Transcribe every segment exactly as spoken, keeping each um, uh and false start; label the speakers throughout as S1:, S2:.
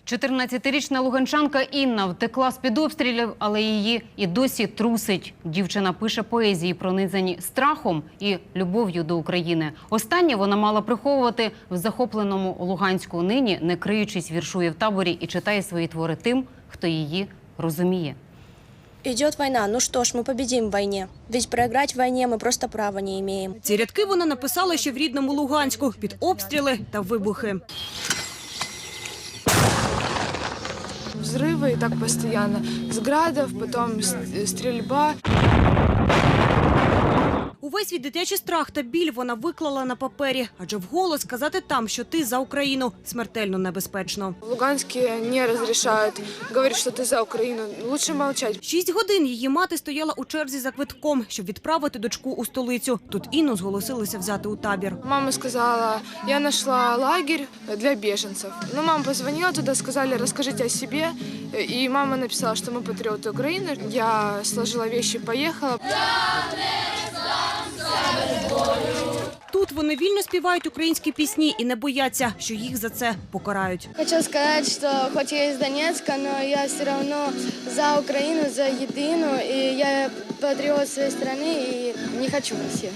S1: чотирнадцятирічна луганчанка Інна втекла з-під обстрілів, але її і досі трусить. Дівчина пише поезії, пронизані страхом і любов'ю до України. Останнє вона мала приховувати в захопленому Луганську. Нині, не криючись, віршує в таборі і читає свої твори тим, хто її розуміє.
S2: Идет война, ну что ж, мы победим в войне. Ведь проиграть в войне мы просто права не имеем.
S3: Ці рядки вона написала ще в рідному Луганську під обстріли та вибухи.
S4: Взрывы и так постоянно. С градов, потом стрельба.
S3: Увесь свій дитячий страх та біль вона виклала на папері. Адже вголос сказати там, що ти за Україну, смертельно небезпечно.
S4: В Луганске не разрешают говорить, что ты за Украину. Лучше молчать.
S3: Шість годин її мати стояла у черзі за квитком, щоб відправити дочку у столицю. Тут Інну зголосилися взяти у табір.
S4: Мама сказала, я нашла лагерь для беженцев. Ну, мама позвонила туда, сказали, расскажите о себе. И мама написала, что мы патриоты Украины. Я сложила вещи, поехала.
S3: Тут вони вільно співають українські пісні і не бояться, що їх за це покарають.
S5: Хочу сказати, що хоч я із Донецька, але я все одно за Україну, за єдину, і я патріот своєї країни і не хочу в Росію.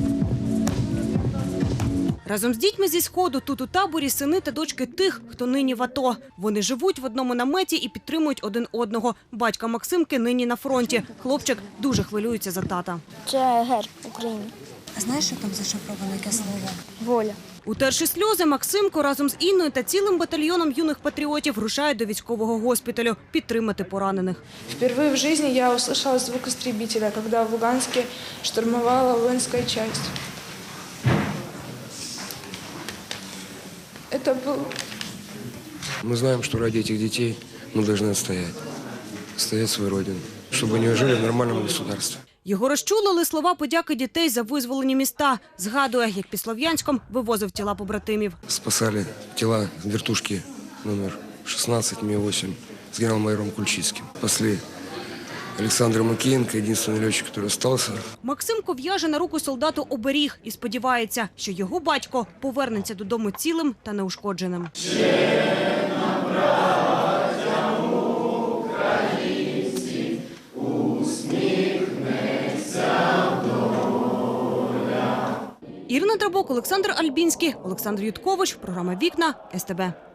S3: Разом з дітьми зі Сходу тут у таборі сини та дочки тих, хто нині в АТО. Вони живуть в одному наметі і підтримують один одного. Батька Максимки нині на фронті. Хлопчик дуже хвилюється за тата.
S5: Це герб України.
S6: А знаєш, що там зашифровано, яке слово?
S5: Воля.
S3: Утерши сльози, Максимко разом з Інною та цілим батальйоном юних патріотів рушає до військового госпіталю підтримати поранених.
S4: Впервые в жизни я услышала звук истребителя, когда в Луганске штурмовала воинская часть. Это был...
S7: Мы знаем, что ради этих детей мы должны отстоять. Отстоять свою родину, чтобы они жили в нормальном государстве.
S3: Його розчулили слова подяки дітей за визволені міста. Згадує, як під Слов'янськом вивозив тіла побратимів.
S7: Спасали тела вертушки номер шестнадцать Ми восемь с генерал-майором Кульчицким. Спасли Олександра Макієнка, єдиний льотчик, який залишився.
S3: Максимко в'яже на руку солдату оберіг і сподівається, що його батько повернеться додому цілим та неушкодженим. Ірина Драбок, Олександр Альбінський, Олександр Юткович. Програма «Вікна», ес те бе.